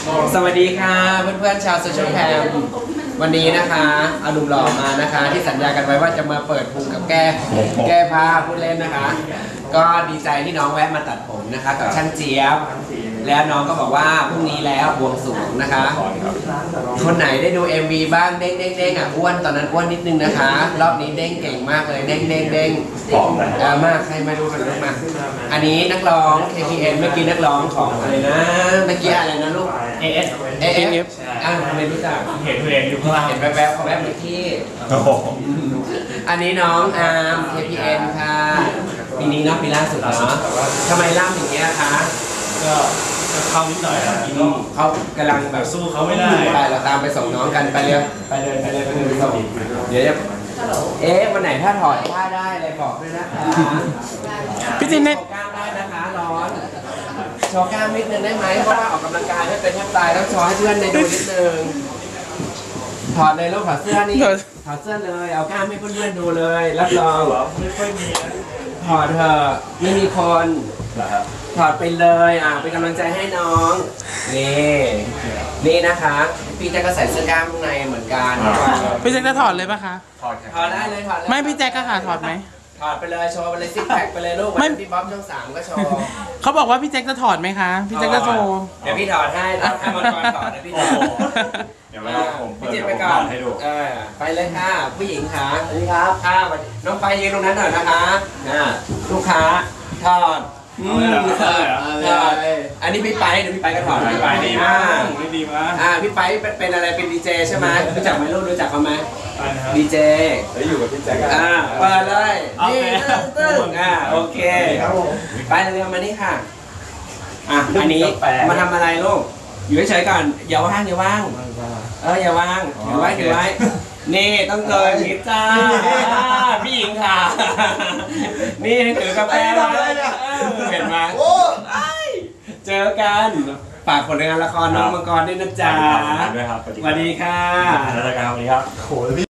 สวัสดีค่ะเพื่อนๆชาวโซเชียลแคมวันนี้นะคะเอาหนุ่มหล่อมานะคะที่สัญญากันไว้ว่าจะมาเปิดพุงกับแก้ผ้าพูดเล่นนะคะก็ดีใจที่น้องแวะมาตัดผมนะคะกับช่างเจี๊ยบแล้วน้องก็บอกว่าพรุ่งนี้แล้วบวงสรวงนะคะคนไหนได้ดู MV บ้างเด้งเด้งเด้งอ่ะอ้วนตอนนั้นอ้วนนิดนึงนะคะรอบนี้เด้งเก่งมากเลยเด้งเด้งเด้งมากใครมาดูกันมาอันนี้นักร้อง KPN เมื่อกี้นักร้องของอะไรนะเมื่อกี้อะไรนะลูก AF ทำไมรู้จักเห็นอยู่ข้างล่างเห็นแวบๆเขาแวบเมื่อกี้อันนี้น้องอาร์ม KPN ค่ะปีนี้เนาะปีล่าสุดเนาะทำไมล่ำอย่างเงี้ยคะก็เข้านิดหน่อยครับเขากำลังแบบสู้เขาไม่ได้ไปเราตามไปส่งน้องกันไปเลยไปส่งเดี๋ยววันไหนถ้าถอดผ้าได้อะไรบอกด้วยนะคะพี่จินเนี่ยโชว์กล้ามได้นะคะร้อนโชว์กล้ามนิดนึงได้ไหมเพราะว่าออกกำลังกายไม่เป็นแทบตายต้องโชว์ให้เพื่อนได้ดูนิดนึงถอดเลยลูกถอดเสื้อนี่ถอดเสื้อเลยเอากล้ามให้เพื่อนๆดูเลยรับรองไม่ค่อยมีถอดเถอะไม่มีคนถอดไปเลยเป็นกำลังใจให้น้องนี่นะคะพี่แจ็คก็ใส่เสื้อกล้ามข้างในเหมือนกันพี่แจ็คจะถอดเลยปะคะถอดได้เลยถอดเลยไม่พี่แจ็คก็ค่ะถอดไหมถอดไปเลยโชว์ไปเลยซิกแพคไปเลยลูกไม่พี่บ๊อบช่อง3ก็โชว์เขาบอกว่าพี่แจ็คจะถอดไหมคะพี่แจ็คจะโชว์เดี๋ยวพี่ถอดให้มังกรถอดนะพี่เดี๋ยวผมพี่จิตไปก่อนให้ดูไปเลยค่ะผู้หญิงค่ะสวัสดีครับค่ะน้องไปยืนตรงนั้นหน่อยนะคะลูกค้าถอดอันนี้พี่ไปเดี๋ยวพี่ไปก็ถอดพี่ไปดีมากดีมากพี่ไปเป็นอะไรเป็นดีเจใช่ไหมรู้จักไหมลูกรู้จักเขาไหมดีเจแล้วอยู่กับพี่แจ็คเปิดเลยนี่ตึ้งโอเคไปเร็วมานี่ค่ะอันนี้มาทำอะไรลูกอยู่เฉยๆก่อนอย่าว่างอย่าว่างอย่าว่างถือไว้นี่ต้องเจอพิซซ่าพี่หญิงค่ะนี่ถือกาแฟมาเห็นไหมเจอกันฝากผลงานละครน้องมังกรด้วยนะจ๊ะด้วยครับสวัสดีค่ะสวัสดีครับ